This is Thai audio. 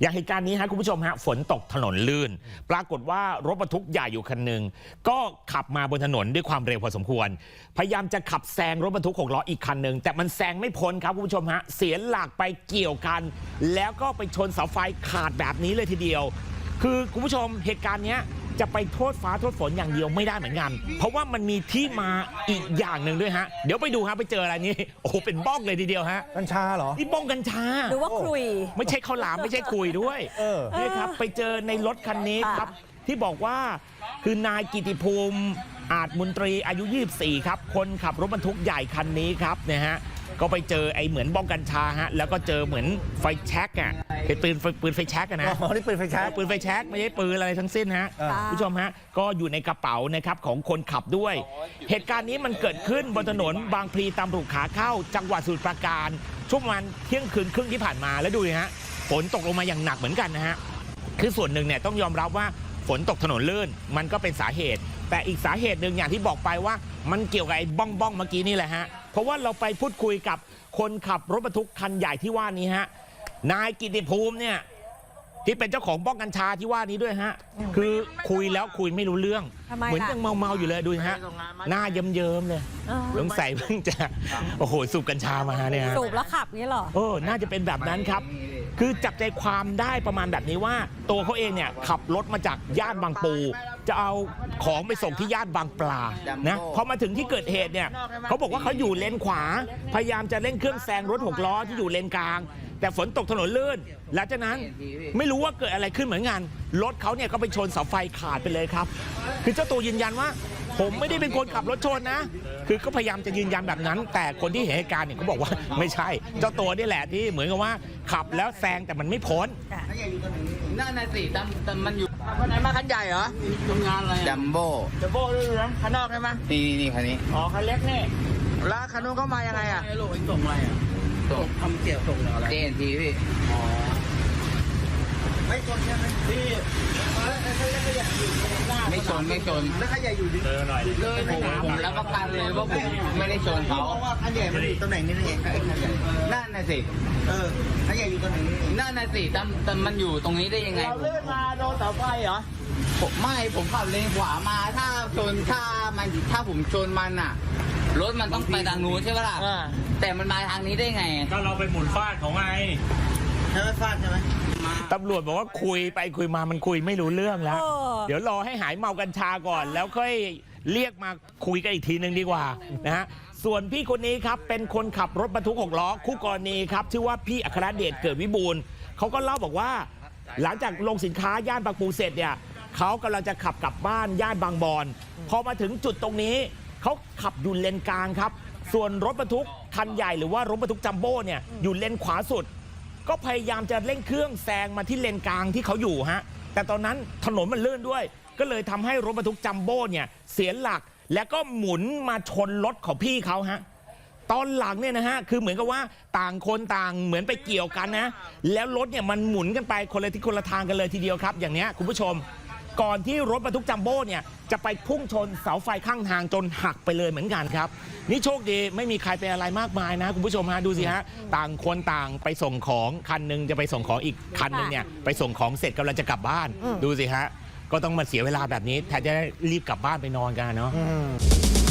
อย่างเหตุการณ์นี้ฮะคุณผู้ชมฮะฝนตกถนนลื่นปรากฏว่ารถบรรทุกใหญ่อยู่คันหนึ่งก็ขับมาบนถนนด้วยความเร็วพอสมควรพยายามจะขับแซงรถบรรทุก6 ล้ออีกคันหนึ่งแต่มันแซงไม่พ้นครับคุณผู้ชมฮะเสียหลักไปเกี่ยวกันแล้วก็ไปชนเสาไฟขาดแบบนี้เลยทีเดียวคือคุณผู้ชมเหตุการณ์นี้จะไปโทษฟ้าโทษฝนอย่างเดียวไม่ได้เหมือนกันเพราะว่ามันมีที่มาอีกอย่างหนึ่งด้วยฮะเดี๋ยวไปดูฮะไปเจออะไรนี่โอ้โหเป็นบ้องเลยทีเดียวฮะกัญชาเหรอนี่บ้องกัญชาหรือว่าคุยไม่ใช่ข้าวหลามไม่ใช่คุยด้วยนี่ครับไปเจอในรถคันนี้ครับที่บอกว่าคือนายกิติภูมิอาจมนตรีอายุ24ครับคนขับรถบรรทุกใหญ่คันนี้ครับเนี่ยฮะก็ไปเจอไอ้เหมือนบ้องกัญชาฮะแล้วก็เจอเหมือนไฟแช็กอ่ะเป็นปืนไฟแช็กนะอ๋อนี่ปืนไฟแช็กปืนไฟแช็กไม่ใช่ปืนอะไรทั้งสิ้นฮะผู้ชมฮะก็อยู่ในกระเป๋านะครับของคนขับด้วยเหตุการณ์นี้มันเกิดขึ้นบนถนนบางพลีตามรูขาเข้าจังหวัดสมุทรปราการช่วงประมาณเที่ยงคืนครึ่งที่ผ่านมาแล้วดูฮะฝนตกลงมาอย่างหนักเหมือนกันนะฮะคือส่วนหนึ่งเนี่ยต้องยอมรับว่าฝนตกถนนลื่นมันก็เป็นสาเหตุแต่อีกสาเหตุหนึ่งอย่างที่บอกไปว่ามันเกี่ยวกับไอ้บ้องเมื่อกี้นี่แหละฮะเพราะว่าเราไปพูดคุยกับคนขับรถบรรทุกคันใหญ่ที่ว่านี้ฮะนายกิติภูมิเนี่ยที่เป็นเจ้าของบ้องกัญชาที่ว่านี้ด้วยฮะคือคุยแล้วคุยไม่รู้เรื่องเหมือนยังเมาอยู่เลยดูฮะหน้าเยิ้มๆเลยสงสัยเพิ่งจะโอ้โหสูบกัญชามาเนี่ยสูบแล้วขับนี่หรอน่าจะเป็นแบบนั้นครับคือจับใจความได้ประมาณแบบนี้ว่าตัวเขาเองเนี่ยขับรถมาจากย่านบางปูจะเอาของไปส่งที่ย่านบางปลานะพอมาถึงที่เกิดเหตุเนี่ยเขาบอกว่าเขาอยู่เลนขวาพยายามจะเร่งเครื่องแซงรถ6 ล้อที่อยู่เลนกลางแต่ฝนตกถนนลื่นหลังจากนั้นไม่รู้ว่าเกิดอะไรขึ้นเหมือนกันรถเขาเนี่ยก็ไปชนเสาไฟขาดไปเลยครับคือเจ้าตัวยืนยันว่าผมไม่ได้เป็นคนขับรถชนนะคือก็พยายามจะยืนยันแบบนั้นแต่คนที่เห็นเหตุการณ์เนี่ยเขาบอกว่าไม่ใช่เจ้าตัวนี่แหละที่เหมือนกับว่าขับแล้วแซงแต่มันไม่พ้นนั่นน่ะสิแต่มันอยู่คันไหนมาคันใหญ่เหรอทำงานอะไรจัมโบ้ด้วยนะคันนอกใช่ไหมนี่คันนี้อ๋อคันเล็กนี่แล้วคันนู้นเขามายังไงอ่ะลูกส่งอะไรอ่ะส่งทำเกี่ยวส่งอะไรเจนทีพี่อ๋อไม่ชนใช่ไหมพี่ไม่ชนแล้วคันใหญ่อยู่ดิเลยหน่อยเลยผมรับประกันเลยว่าผมไม่ได้ชนเขาเพราะว่าคันใหญ่มันอยู่ตำแหน่งนี้นั่นเองนั่นน่ะสิคันใหญ่อยู่ตำแหน่งนี้นั่นน่ะสิแต่มันอยู่ตรงนี้ได้ยังไงเราเลื่อนมาโดนเสาไฟเหรอผมขับเลนขวามาถ้าผมชนมันอ่ะรถมันต้องไปทางนู้นใช่ไหมล่ะแต่มันมาทางนี้ได้ไงก็เราไปหมุนฟาดของไงใช่ไหมฟาดใช่ไหมตำรวจบอกว่าคุยไปคุยมามันคุยไม่รู้เรื่องแล้วเดี๋ยวรอให้หายเมากัญชาก่อนแล้วค่อยเรียกมาคุยกันอีกทีนึงดีกว่านะฮะส่วนพี่คนนี้ครับเป็นคนขับรถบรรทุก6 ล้อคู่กรณีครับชื่อว่าพี่อัครเดชเกิดวิบูลย์เขาก็เล่าบอกว่าหลังจากลงสินค้าย่านบางปูเสร็จเนี่ยเขากำลังจะขับกลับบ้านย่านบางบอนพอมาถึงจุดตรงนี้เขาขับอยู่เลนกลางครับส่วนรถบรรทุกคันใหญ่หรือว่ารถบรรทุกจัมโบ้เนี่ยอยู่เลนขวาสุดก็พยายามจะเร่งเครื่องแซงมาที่เลนกลางที่เขาอยู่ฮะแต่ตอนนั้นถนนมันลื่นด้วยก็เลยทำให้รถบรรทุกจัมโบ้เนี่ยเสียหลักแล้วก็หมุนมาชนรถของพี่เขาฮะตอนหลังเนี่ยนะฮะคือเหมือนกับว่าต่างคนต่างเหมือนไปเกี่ยวกันนะแล้วรถเนี่ยมันหมุนกันไปคนละทิศคนละทางกันเลยทีเดียวครับอย่างนี้คุณผู้ชมก่อนที่รถบรรทุกจัมโบ้เนี่ยจะไปพุ่งชนเสาไฟข้างทางจนหักไปเลยเหมือนกันครับนี่โชคดีไม่มีใครเป็นอะไรมากมายนะคุณผู้ชมฮะดูสิฮะต่างคนต่างไปส่งของคันนึงจะไปส่งของอีกคันนึงเนี่ยไปส่งของเสร็จกำลังจะกลับบ้านดูสิฮะก็ต้องมาเสียเวลาแบบนี้แทนจะรีบกลับบ้านไปนอนกันเนาะ